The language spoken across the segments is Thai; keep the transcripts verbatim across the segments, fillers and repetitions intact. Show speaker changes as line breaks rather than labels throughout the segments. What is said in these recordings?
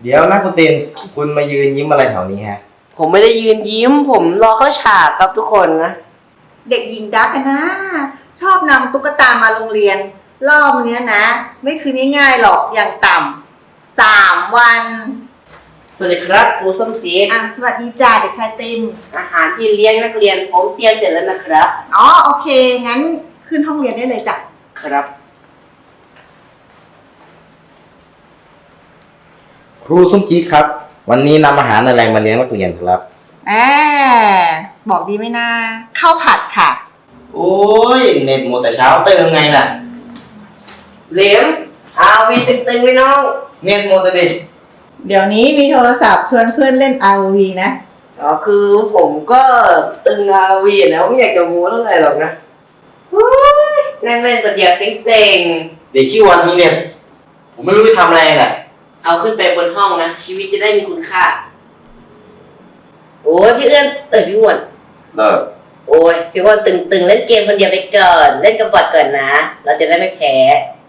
เดี๋ยวนะคุณตินคุณมายืนยิ้มอะไรแถวนี้ฮะ
ผมไม่ได้ยืนยิ้มผมรอเข้าฉากครับทุกคนนะ
เด็กหญิงดักกันนะชอบนำตุ๊กตามาโรงเรียนรอบเนี้ยนะไม่คือง่ายๆหรอกอย่างต่ำสามวัน
สวัสดีครับครูส้มจี๊ด
อ่ะสวัสดีจ้าเด็กชายติม
อาหารที่เลี้ยงนักเรียนผมเตรียมเสร็จแล้วนะครับ
อ๋อโอเคงั้นขึ้นห้องเรียนได้เลยจ้ะ
ครับ
ครูส้มจี๊ดครับวันนี้นำอาหารอะไรมาเลี้ยงนักเรียนครับ
แอบบอกดีไหมนะข้าวผัดค่ะ
โอ้ยเน็ตหมดแต่เช้าเติมไงน่ะ
เหลวอาวีตึงๆไว้น้อง
เน็ตหมดเลยดิ
เดี๋ยวนี้มีโทรศัพท์ชวนเพื่อนเล่น อาร์ โอ วี นะ
อ๋อคือผมก็ตึงอาวีนะไม่อยากจะมูเท่าไหร่หรอกนะนั่งเล่นคนเดียวเซ็ง
ๆเด็กขี้วันมีเน็ตผมไม่รู้จะทำอะไรน่ะ
เอาขึ้นไปบนห้องนะชีวิตจะได้มีคุณค่าโอ้ยพี่เอื้อนเอ้ยพี่อ้วน
เลิก
โอ้ยพี่อ้วนตึงๆเล่นเกมคนเดียวไปก่อนเล่นกับบอทก่อนนะเราจะได้ไม่แพ้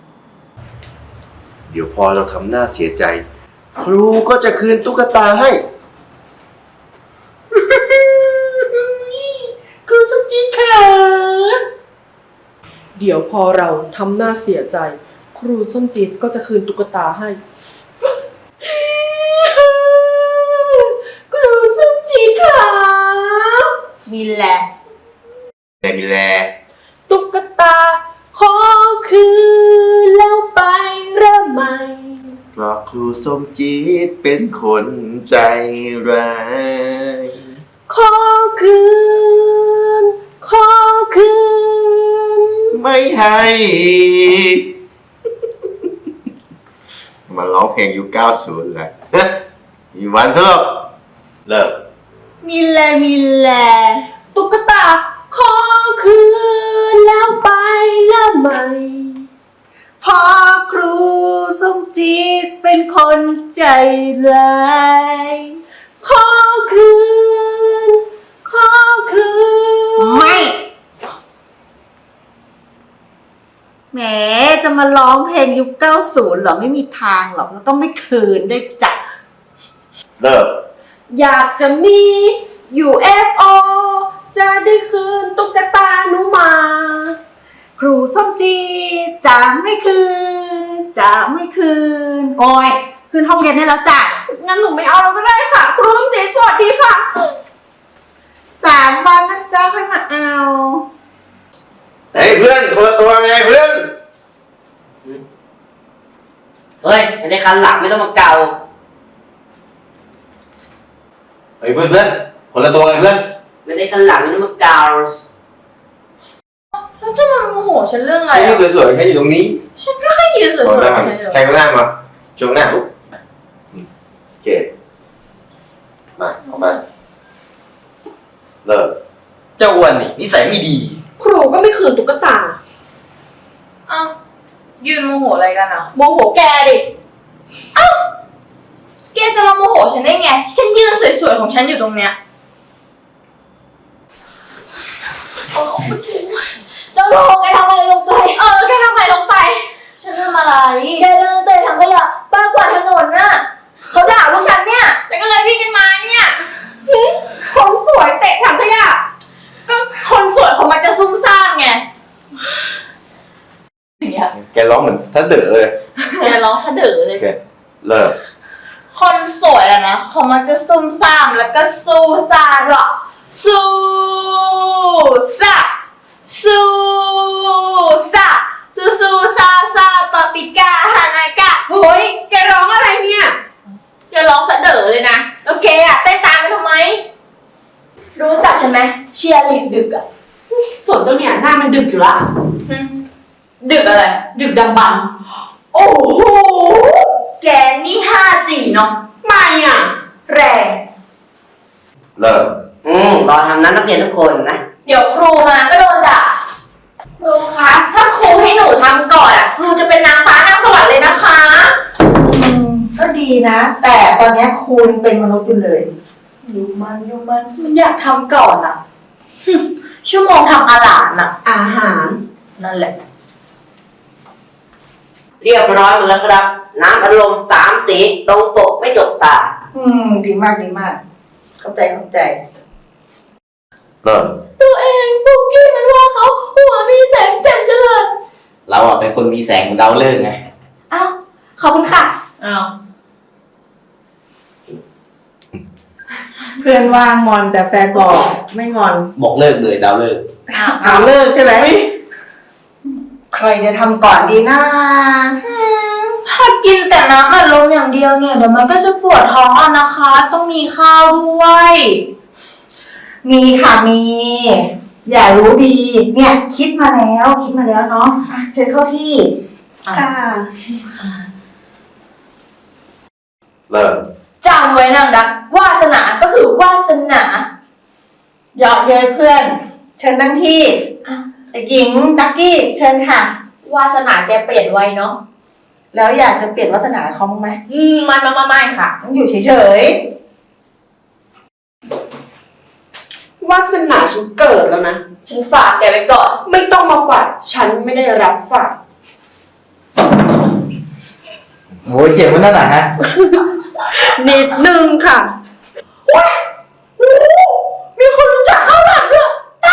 เดี๋ยวพอเราทำหน้าเสียใจครูก็จะคืนตุ๊กตาให้
ครูส้มจี๊ดค่ะ
เดี๋ยวพอเราทำหน้าเสียใจครูส้มจี๊ดก็จะคืนตุ๊กตาให้ครูส้มจี๊ดค่ะ
มีแหละ
แต่มีแล
ตุ๊กตาขอคืนแล้วไปเริ่มใหม่
เพราะครูส้มจี๊ดเป็นคนใจร้าย
ขอคืนขอคืน
ไม่ให้มาร้องเพลงยุคเก้าสิบแหละมีวันสรุปเลิก
มีแหละมีแหละ
ตุ๊กตาขอคืนแล้วไปเริ่มใหม่
พอครูส้มจี๊ดเป็นคนใจร้าย
ขอคืนขอคืน
ไม่แหมจะมาร้องเพลงยุคเก้าสิบหรอไม่มีทางหรอกแล้วต้องไม่คืนด้วยจ้ะ
เลิก
อยากจะมี ยู เอฟ โอ จะได้คืนตุ๊กตาหนูมา
ครูส้มจี๊ดจะไม่คืนจะไม่คืนโอ้ยคืนห้องเรียนได้แล้วจ้ะ
งั้นหนูไม่เอาแล้วก็ได้ค่ะครูส้มจี๊ดสวัสดีค่ะ
สามวันนะจ๊ะค่อยมาเอา
เฮ้ยเพื่อนคนละตัวไงเพื่อน
เฮ้ยไม่ได้คันหลังไม่ต้องมาเกา
เฮ้ยเพื่อนเพื่อนคนละตัวไงเพื่อน
ไม่ได้คันหลังไม่ต้องมาเกา
แล้วจะมาโมโหฉันเรื่องอะไร
อ่ะสวยๆแค่อยู่ตรงนี้
ฉันก็แค่ยืนสวย
ๆใครก็ได้มาชมหน้าปุ๊บโอเคมาออกมาเลิกเจ้าอ้วนนี่นิสัยไม่ดี
ครูก็ไม่คืนตุ๊กตา
อ้าวยืนโมโหอะไรกันอ่ะ
โมโหแกดิ
อ้าวแกจะมาโมโหฉันได้ไงฉันยืนสวยๆของฉันอยู่ตรงเนี้ย
เจ้าโทแกทำอะไรลงไป
เออแกทำอะไรลงไปฉันทำอะไร
แกเดินเตะถังขยะป้ากวาดถนนน่ะเขาด่าพวกฉันเนี่ย
ฉันก็เลยวิ่งกันมาเนี่ย
คนสวยเตะถังขยะ
ก็คนสวยของมันจะซุ่มซ่ามไง
แกร้องเหมือนถ้าเด๋อเลย
แกร้องสะดือเลย
เลิก
คนสวยอะนะเขามันจะซุ่มซ่ามแล้วก็สู้ซ่าหรอสู้ซ่าสู้ซ่าสู้สู้ซ่าซ่าปาปิก้าฮานากะ
เฮ้ยแกร้องอะไรเนี่ย
แกร้องสะเด๋อเลยนะแล้วแกอะเต้นตามกันทำไม
รู้จักใช่ไหมเชียร์ลีดดึกอะส่วนเจ้าเนี่ยหน้ามันดึกอยู่ละ
ดึกอะไร
ดึกดำบรรพ์
โอ้โหแกนี่ ห้าจี เนาะ
ไม่อ่ะ
แรง
เลิก
อืมรอทำนั้นนักเรียนทุกคนนะ
เดี๋ยวครูมาก็โดนด่าครูคะถ้าครูให้หนูทำก่อนอ่ะครูจะเป็นนางฟ้านางสวรรค์เลยนะคะ
อืมก็ดีนะแต่ตอนนี้ครูเป็นมนุษย์อยู่เลย
อยู่มันอยู่มันมันอยากทำก่อนอ่ะ
ชั่วโมงทำอาหารอ่ะ
อาหาร
นั่นแหละ
เรียบร้อยหมดแล้วครับน้ำอารมณ์สามสีตรงปกไม่จกตา
อืม ดีมากดีมาก เข้าใจเข้าใจ
เริ่ม
ตัวเองปุกกี้มันว่าเขาหัวมีแสงแจ่มเจริญ
เราอ่ะเป็นคนมีแสงดาวเลิกษ์ไง
อ้าวขอบคุณค่ะ
อ้าว
เพื่อนว่างงอนแต่แฟนบอกไม่งอน
บอกเลิกเลยดาวเลิกษ์
เอาเลิกใช่ไหมใครจะทำก่อนดีนะ
ถ้ากินแต่น้ำอัดลมอย่างเดียวเนี่ยเดี๋ยวมันก็จะปวดท้องอ่ะนะคะ ต้องมีข้าวด้วย
มีค่ะมี อย่ารู้ดี เนี่ย คิดมาแล้วคิดมาแล้วเนาะอ่ะเชิญเข้าที่
ค่ะ
เริ่ม
จำไว้นางดักวาสนาก็คือวาสนา
เยาะเย้ยเพื่อน เชิญนั่งที่เด็กหญิงดักกี้เชิญค่ะ
วาสนาแกเปลี่ยนไวเนาะ
แล้วอยากจะเปลี่ยนวาสนาเขาบ้างไหม
อืมมันมาไม่ค่ะ
ต้องอยู่เฉยว
าสนาฉันเกิดแล้วนะ
ฉันฝากแกไว้ก่อน
ไม่ต้องมาฝากฉันไม่ได้รับฝาก
โอ้ยเจ็บมันนั่นน่ะฮะ
นิดนึงค่ะ
มีคนรู้จักข้าวหลามด้วย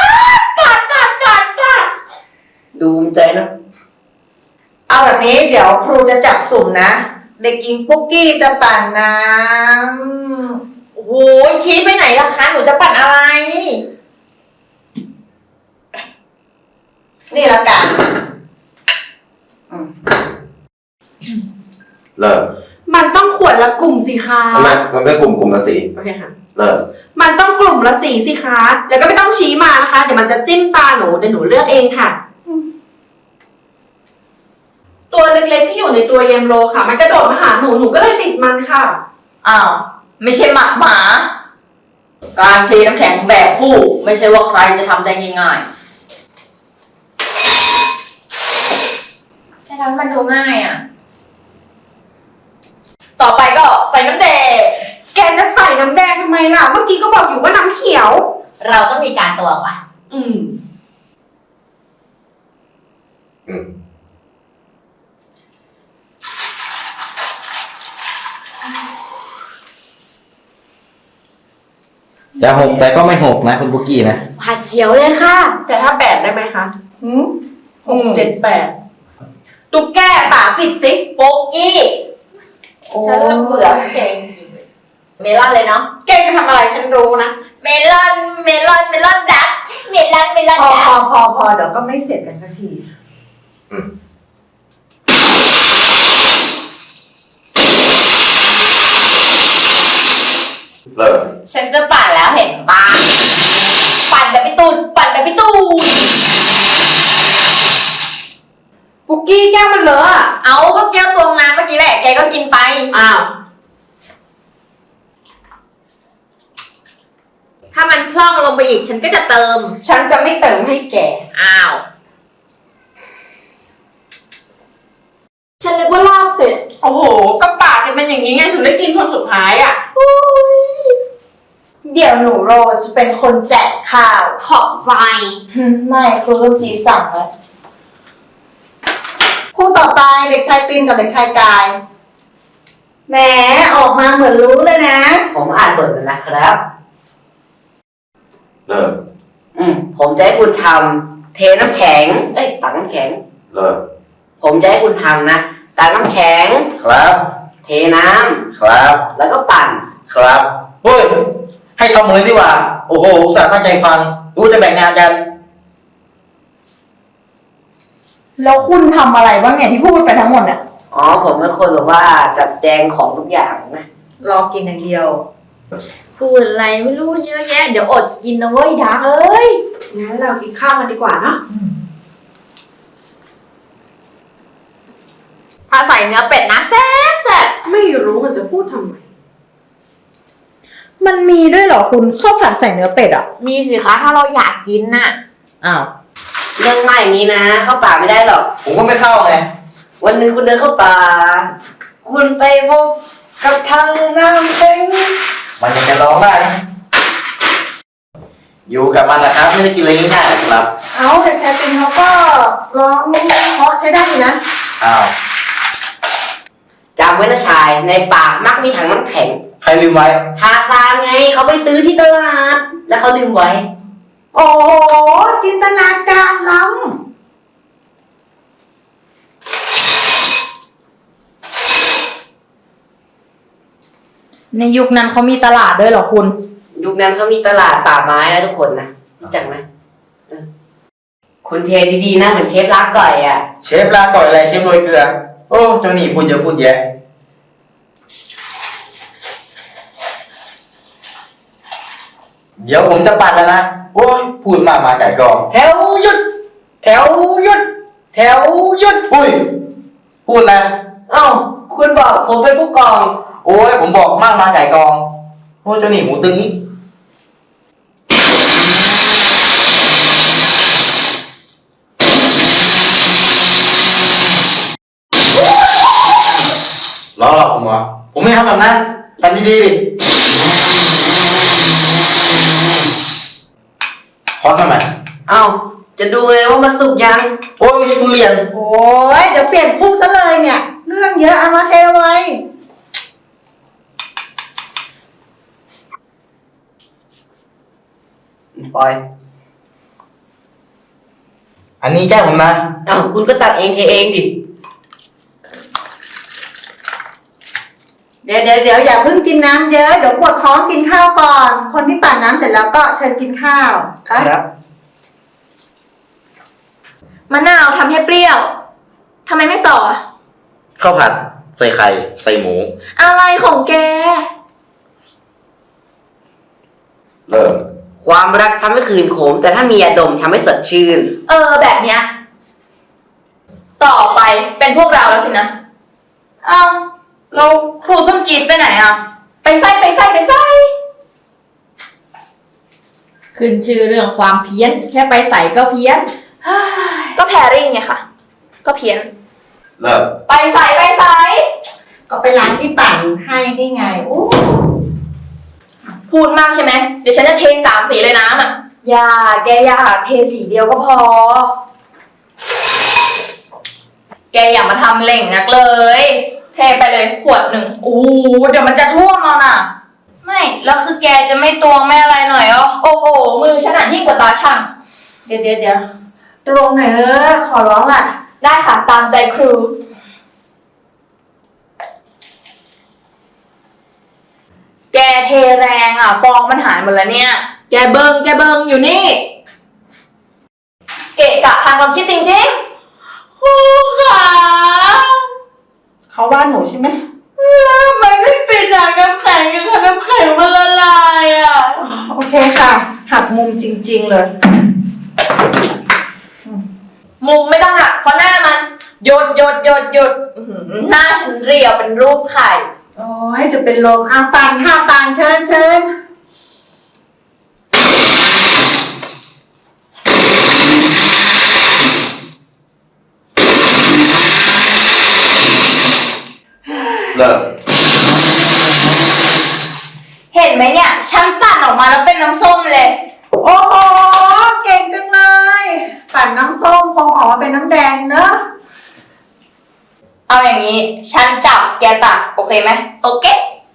ดูภูมิใจเนอะ
ๆเอาแบบนี้เดี๋ยวครูจะจับสุ่มนะ เด็กหญิงปุ๊กกี้จะปั่นน้ำ
โอ้โหชี้ไปไหนล่ะคะหนูจะปั่นอะไร
นี่ละกันอืม
เริ่ม
มันต้องขวดละกลุ่มสิคะ
ทำไมมันไม่กลุ่มกลุ่มละสี
โอเคค่ะ
เริ่ม
มันต้องกลุ่มละสีสิคะ แล้วก็ไม่ต้องชี้มานะคะ เดี๋ยวมันจะจิ้มตาหนูเดี๋ยวหนูเลือกเองค่ะ ตัวเล็กๆที่อยู่ในตัวเยมโลค่ะ มันกระโดดมาหาหนู หนูก็เลยติดมันค่ะ
อ้าว ไม่ใช่หมาหมา การเทน้ำแข็งแบบคู่ ไม่ใช่ว่าใครจะทำได้ง่ายๆแค่ทำมันดูง่ายอ่ะ ต่อไปก็ใส่น้ำแดง
แกจะใส่น้ำแดงทำไมล่ะ เมื่อกี้ก็บอกอยู่ว่าน้ำเขียว
เราต้องมีการตวงว่ะ
อืม
อืม
จะหกแต่ก็ไม่หกนะคุณปุกกี้นะ
หาเสียวเลยค่ะ แต่ถ้าแปดได้ไหมคะ
หืม
หกเจ็ดแปดตุ๊กแกป่าปิดซิ
โปกกี้ ฉันละเบื่อแกจริงๆเลยเมลอนเลยเนาะ
แกจะทำอะไรฉันรู้นะ
เมลอน เมลอน เมลอนดัก เมลอน เมลอน
พอ
ดั
พอก พอพอเดี๋ยวก็ไม่เสร็จกันสักที
อืม เริ่ม
ฉันจะปั่นแล้วเห็นปะปั่นแบบพี่ตูนปั่นแบบพี่ตูน
ปุกกี้แก้วมันเลอะอะ
เอาก็แก้วตวงน้ำเมื่อกี้แหละ แกก็กินไป
อ้าว
ถ้ามันพร่องลงไปอีก ฉันก็จะเติม
ฉันจะไม่เติมให้แก
อ้าว
ฉันนึกว่าลาบเป็ด
โอ้โหก็ปากจะเป็นอย่างนี้ไงถึงได้กินคนสุดท้ายอ่ะ
เดี๋ยวหนูโรจะเป็นคนแจกข้าวขอบใจ ไม่ครูต้นจีสั่งแล้ว
คู่ต่อไปเด็กชายตินกับเด็กชายกายแหมออกมาเหมือนรู้เลยนะ
ผมอ่านบทแล้วนะครับ
เริ่ม
อืมผมจะให้คุณทำเทน้ำแข็ง เอ้ยตักน้ำแข็ง
เริ่ม
ผมจะให้คุณทำนะตักน้ำแข็ง
ครับ
เทน้ำ
ครับ
แล้วก็ปั่น
ครับ
เฮ้ย ให้ทำเลยดีกว่า โอ้โหอุตส่าห์ตั้งใจฟัง รู้จะแบ่งงานกัน
แล้วคุณทำอะไรบ้างเนี่ยที่พูดไปทั้งหมดเนี่ย
อ๋อ ผมเป็นคนแบบว่าจัดแจงของทุกอย่างนะ
รอกินอย่างเดียว
พูดอะไรไม่รู้เยอะแยะ เดี๋ยวอดกินนะเว้ยดักเอ้ย
งั้นเรากินข้าวกันดีกว่าเนาะ
ถ้าใส่เนื้อเป็ดนะแซ่บแซ่บ
ไม่รู้มันจะพูดทำไม
มันมีด้วยเหรอคุณข้าวผัดใส่เนื้อเป็ดอ่ะ
มีสิคะถ้าเราอยากกินน่ะ
อ้าว
เรื่องง่ายอย่างนี้นะ เข้าป่าไม่ได้หรอก ผมก็ไม่เข้าไง วันหนึ่งคุณเดินเข้าป่า คุณไปพบกับทางน้ำแข็ง
มันยังจะร้องได้นะ
อยู่กับมันนะครับ ไม่ได้กินอะไรง่ายๆนะครับ
เอาเด็กชายตินเขาก็ร้องเพราะใช้ได้อยู่นะ
อ้าวจำไว้นะชายในปากมักมีถังน้ำแข็ง
ใครลืมไว้
ทาซานไงเขาไปซื้อที่ตลาด แล้วเขาลืมไว้
โอ้โหจินตนาการล้
ในยุคนั้นเขามีตลาดด้วยเหรอคุณ
ยุคนั้นเขามีตลาดป่าไม้นะทุกคนนะรู้จักไหมเออคุณเทดีๆนะเหมือนเชฟลาก่อยอ่ะ
เชฟลาก่อยอะไรเชฟโรยเกลือ โอ้เจ้านี่พูดเยอะพูดแยะ เดี๋ยวผมจะปัดแล้วนะ โอ้ยพูดมากมาไก่กอง
แถวหยุด แถวหยุด แถวหยุด
อุ้ย พูดนะ
เอ้าคุณบอกผมเป็นผู้กอง
โอ้ยผมบอกมากมาไก่กอง โอ้เจ้านี่หมูตึงอีกล้อหลอกผมเหรอ ผมไม่ทำแบบนั้นทำดีๆดิขอทำไม
เอ้าจะดูเลยว่ามันสุกยัง
โอ้ยไม่ใช่ทุเรียน
ำโอ้ยเดี๋ยวเปลี่ยนคู่ซะเลยเนี่ย เรื่องเยอะเอามาเทไว้
ปล่อย
อันนี้แก้ผมนะ
เอ้าคุณก็ตัดเองเทเองดิ
เดี๋ยวเดี๋ยวเดี๋ยวอย่าเพิ่งกินน้ำเยอะ เดี๋ยวปวดท้องกินข้าวก่อน คนที่ปั่นน้ำเสร็จแล้วก็เชิญกินข้าวไป
มะนาวทำให้เปรี้ยวทำไมไม่ต่ออะ
ข้าวผัด ใส่ไข่ ใส่หมู
อะไรของแก
เริ่ม
ความรักทำให้คืนขม แต่ถ้ามียาดมทำให้สดชื่น
เออแบบเนี้ยต่อไปเป็นพวกเราแล้วสินะ เอ้าเราครูส้มจีดไปไหนอ่ะ ไปไส้ไปไส้ไปไส้
ขึ้นชื่อเรื่องความเพี้ยน แค่ไปใส่ก็เพี้ยน
ก็แพรรี่ไงค่ะ ก็เพี้ยน
เริ่ม
ไปใส่ไปใส่
ก็ไปร้านที่ปั่นให้นี่ไงโอ้
พูดมากใช่ไหมเดี๋ยวฉันจะเทสามสีเลยน้ำอ่ะอย่าแกอย่าเทสีเดียวก็พอ แกอย่ามาทำเล่งนักเลย เทไปเลยขวดหนึ่งโอ้เดี๋ยวมันจะท่วมเอาน่ะ ไม่แล้วคือแกจะไม่ตวงไม่อะไรหน่อยอ๋อโอ้โหมือฉันอ่ะยิ่งกว่าตาช่าง
เดี๋ยวเดี๋ยวเดี๋ยวตรงไหนเออขอร้องล่ะ
ได้ค่ะตามใจครู แกเทแรงอ่ะฟองมันหายหมดแล้วเนี่ย แกเบิงแกเบิงอยู่นี่ เกะกะทางความคิดจริงๆครูค่ะ
เขาว่าหนูใช่ไหม
แล้วทำไมไม่ปิดอ่ะน้ำแข็งยังน้ำแข็งมันละลายอ่ะ
โอเคค่ะ หักมุมจริงๆเลย
มุมไม่ต้องหักเพราะหน้ามันหยดหยดหยดหยดอื้อหือหน้าฉันเรียวเป็นรูปไข่
โอ้ยจะเป็นลมอาปานค่ะปานเชิญเชิญ
เริ่ม
เห็นไหมเนี่ย ฉันปั่นออกมาแล้วเป็นน้ำส้มเลย
โอ้โหเก่งจังเลย ปั่นน้ำส้มคงออกมาเป็นน้ำแดงเนอะ
เอาอย่างนี้ ฉันจับแกตักโอเคไหมโอเค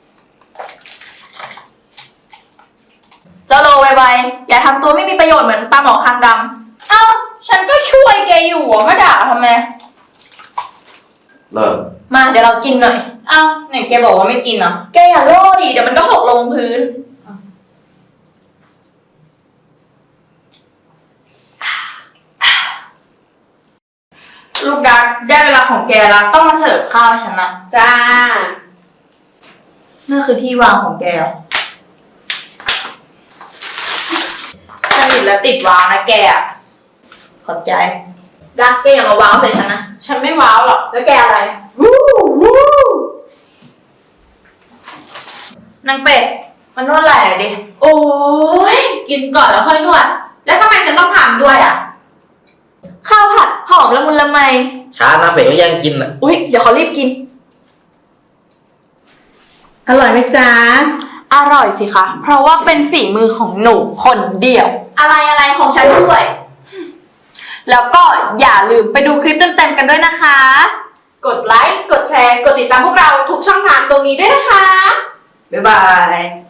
เจ้าโลไวๆอย่าทำตัวไม่มีประโยชน์เหมือนปลาหมอคางดำเอ้า ฉันก็ช่วยแกอยู่อ่ะมาด่าทำไม
เริ่ม
มาเดี๋ยวเรากินหน่อย เอ้าไหนแกบอกว่าไม่กินเหรอ แกอย่าโล่ดิเดี๋ยวมันก็หกลงพื้น ลูกดักได้เวลาของแกแล้วต้องมาเสิร์ฟข้าวให้ฉันนะ
จ้า
นั่นคือที่วางของแกเหรอสนิทและติดวางนะแกอะขอบใจ ดักแกอย่ามาว้าวใส่ฉันนะ ฉันไม่ว้าวหรอก แล้วแกอะไร วู้วู้นางเป็ด มันนวดไหล่หน่อยดิ โอ้ย กินก่อนแล้วค่อยนวด แล้วทำไมฉันต้องทำด้วยอ่ะ ข้าวผัดหอมละมุนละไม
ช้านะเป็ดก็ยังกินอ่ะ
อุ๊ย เดี๋ยวเขารีบกิน
อร่อยไหมจ๊ะ
อร่อยสิคะ เพราะว่าเป็นฝีมือของหนูคนเดียว อะไรอะไรของฉันด้วย แล้วก็อย่าลืมไปดูคลิปเต็มๆกันด้วยนะคะ
กดไลค์ กดแชร์ กดติดตามพวกเราทุกช่องทางตรงนี้ด้วยนะคะ
บ๊ายบาย